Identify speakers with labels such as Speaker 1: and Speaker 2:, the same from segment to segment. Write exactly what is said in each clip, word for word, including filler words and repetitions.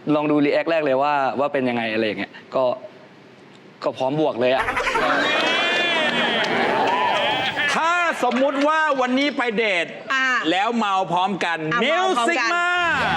Speaker 1: ลองดูรีแอคแรกเลยว่าว่าเป็นยังไงอะไรอย่างเงี้ยก็ก็พร้อมบวกเลยอะ
Speaker 2: ถ้าสมมุติว่าวันนี้ไปเดทแล้วเมาพร้อมกันมิวสิกมา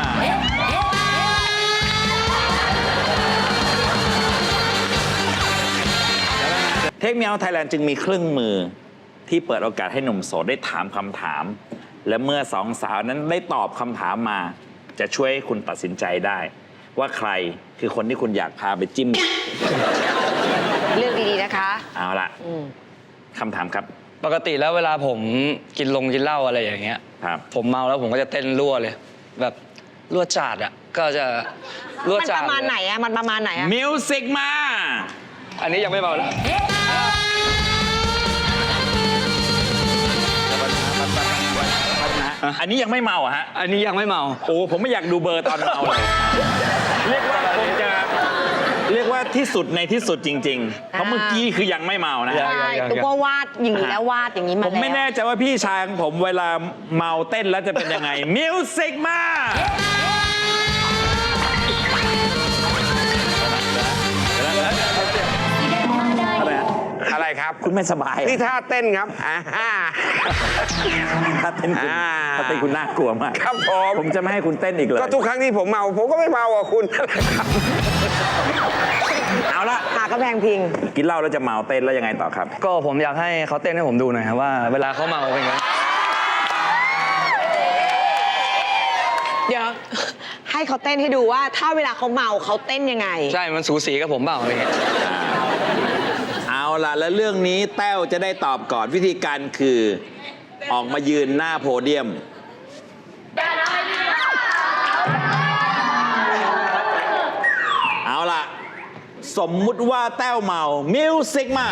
Speaker 2: เทคเมียวไทยแลนด์จึงมีเครื่องมือที่เปิดโอกาสให้หนุ่มโสดได้ถามคำถามและเมื่อสองสาวนั้นได้ตอบคำถามมาจะช่วยให้คุณตัดสินใจได้ว่าใครคือคนที่คุณอยากพาไปจิ้ม
Speaker 3: เลือกดีๆนะคะ
Speaker 2: เอาละคำถามครับ
Speaker 1: ปกติแล้วเวลาผมกินลงกินเหล้าอะไรอย่างเงี้ย
Speaker 2: ครับ
Speaker 1: ผมเมาแล้วผมก็จะเต้นรั่วเลยแบบรั่วจาดอ่ะก็จะรั่วจาด
Speaker 3: มันประมาณไหนอ่ะมันประมาณไหนอ่ะ
Speaker 2: มิวสิกมา
Speaker 1: อันนี้ยังไม่เมาแล้ว
Speaker 2: อันนี้ยังไม่เมาอะฮะ
Speaker 1: อันนี้ยังไม่เมา
Speaker 2: โอ้ผมไม่อยากดูเบอร์ตอนเมาเลยเรียกว่าคงจะเรียกว่าที่สุดในที่สุดจริงๆเพราะเมื่อกี้คือยังไม่เมานะ
Speaker 3: ใช่ตุ๊กวาดอย่างนี้แล้ววาดอย่างนี้มาแล้ว
Speaker 2: ผมไม่แน่ใจว่าพี่ชายของผมเวลาเมาเต้นแล้วจะเป็นยังไงมิวสิกมา
Speaker 4: อะไรครับ
Speaker 2: คุณไม่สบาย
Speaker 4: นี่ท่าเต้นครับอ่า
Speaker 2: ท่าเต้นคุณท่าเต้นคุณน่ากลัวมาก
Speaker 4: ครับผม
Speaker 2: ผมจะไม่ให้คุณเต้นอีกเลย
Speaker 4: ก็ทุกครั้งที่ผมเมาผมก็ไม่เมาอ่ะคุณ
Speaker 2: เอาละ
Speaker 3: หากระแพงพิง
Speaker 2: กินเหล้าแล้วจะเมาเต้นแล้วยังไงต่อครับ
Speaker 1: ก็ผมอยากให้เขาเต้นให้ผมดูหน่อยครับว่าเวลาเขาเมาเป็นไง
Speaker 3: เดี๋ยวให้เขาเต้นให้ดูว่าถ้าเวลาเขาเมาเขาเต้นยังไง
Speaker 1: ใช่มันสูสีกับผมเปล่าอะไรเงี้ย
Speaker 2: เอาล่ะแล้วเรื่องนี้แต้วจะได้ตอบก่อนวิธีการคือออกมายืนหน้าโพเดียมเอาล่ะสมมุติว่าแต้วเมามิวสิกมา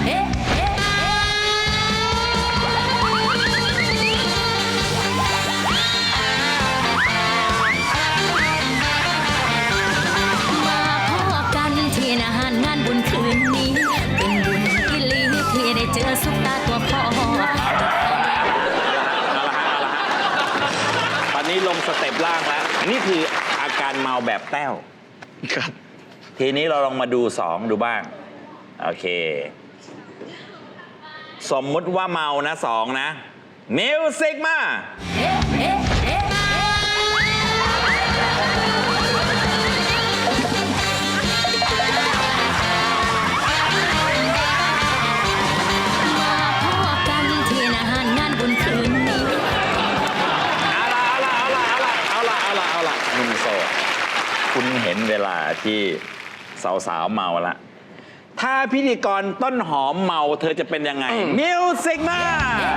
Speaker 5: เจอซุปตาตัวพ่อเอาละฮะ
Speaker 2: เอาละฮะตอนนี้ลงสเต็ปล่างแล้วนี่คืออาการเมาแบบแต้ว
Speaker 1: ครับ
Speaker 2: ทีนี้เราลองมาดูสองดูบ้างโอเคสมมุติว่าเมานะสองนะมิวสิกมาคุณเห็นเวลาที่สาวๆเมาละถ้าพิธีกรต้นหอมเมาเธอจะเป็นยังไงมิวสิกมา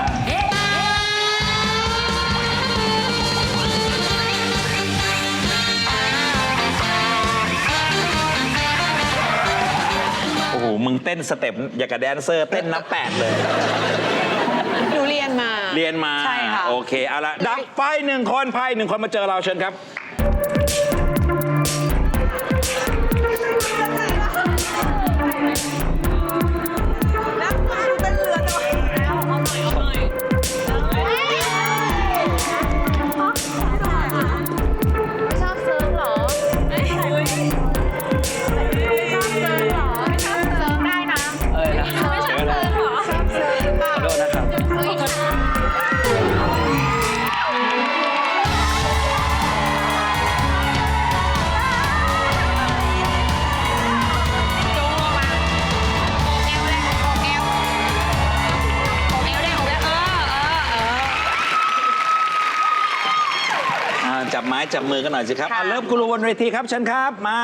Speaker 2: โอ้โหมึงเต้นสเต็ปอย่างกับแดนเซอร์เต้นนับแปดเลย
Speaker 3: หนูเรียนมา
Speaker 2: เรียนมา
Speaker 3: ใช่ค่ะ
Speaker 2: โอเคเอาละดับไฟหนึ่งคนไพ่หนึ่งคนมาเจอเราเชิญครับจับไม้จับมือกันหน่อยสิครับเริ่มกุลบนเวทีครับเชิญครับมา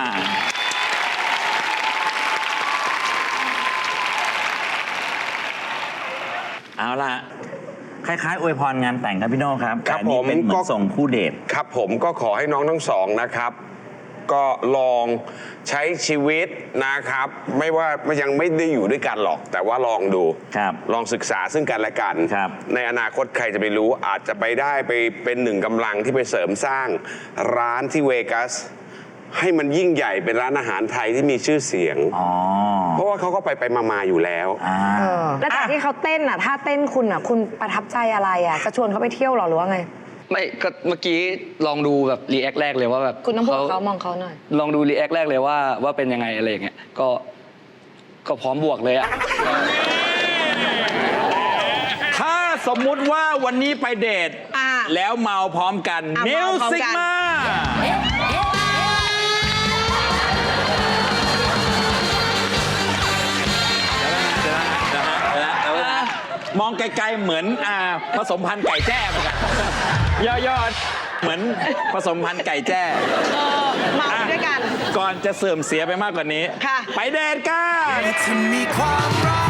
Speaker 2: เอาล่ะคล้ายๆอวยพรงานแต่งครับพี่โน่ครับ
Speaker 4: ครับผม
Speaker 2: เป็นเหมือนส่งคู่เดท
Speaker 4: ครับผมก็ขอให้น้องทั้งสองนะครับก็ลองใช้ชีวิตนะครับไม่ว่ายังไม่ได้อยู่ด้วยกันหรอกแต่ว่าลองดูลองศึกษาซึ่งกันและกันในอนาคตใครจะไปรู้อาจจะไปได้ไปเป็นหนึ่งกำลังที่ไปเสริมสร้างร้านที่เวกัสให้มันยิ่งใหญ่เป็นร้านอาหารไทยที่มีชื่อเสียงเพราะว่าเขาก็ไปไปมาๆอยู่แล้ว
Speaker 3: แล้วจากที่เขาเต้นอ่ะถ้าเต้นคุณอ่ะคุณประทับใจอะไรอ่ะจะชวนเขาไปเที่ยวหรอหรือว่าไง
Speaker 1: ไม่ก็เมื่อกี้ลองดูแบบรีแอคแรกเลยว่าแบบ
Speaker 3: คุณต้องพูดกับเขามองเขาหน่อย
Speaker 1: ลองดูรีแอคแรกเลยว่าว่าเป็นยังไงอะไรอย่างเงี้ยก็ก็พร้อมบวกเลยอะ
Speaker 2: ถ้าสมมุติว่าวันนี้ไปเดท
Speaker 3: อ่า
Speaker 2: แล้วเมาพร้อมกัน
Speaker 3: อ่ะ
Speaker 2: มิ
Speaker 3: เมาว พร้อม
Speaker 2: สิก
Speaker 3: กัน
Speaker 2: มาเดี๋ยวนะเดี๋ยวนะเดี๋ยวนะเดี๋ยวนะมองไกลๆเหมือนอ่าผสมพันธุ์ไก่แจ้เหมือนกันย่อๆเหมือนผสมพันธุ์ไก่แจ้
Speaker 3: เออเมาด้วยกัน
Speaker 2: ก่อนจะเสื่อมเสียไปมากกว่านี้
Speaker 3: ค่ะ
Speaker 2: ไปเดทกัน
Speaker 6: ถ้ามีความรัก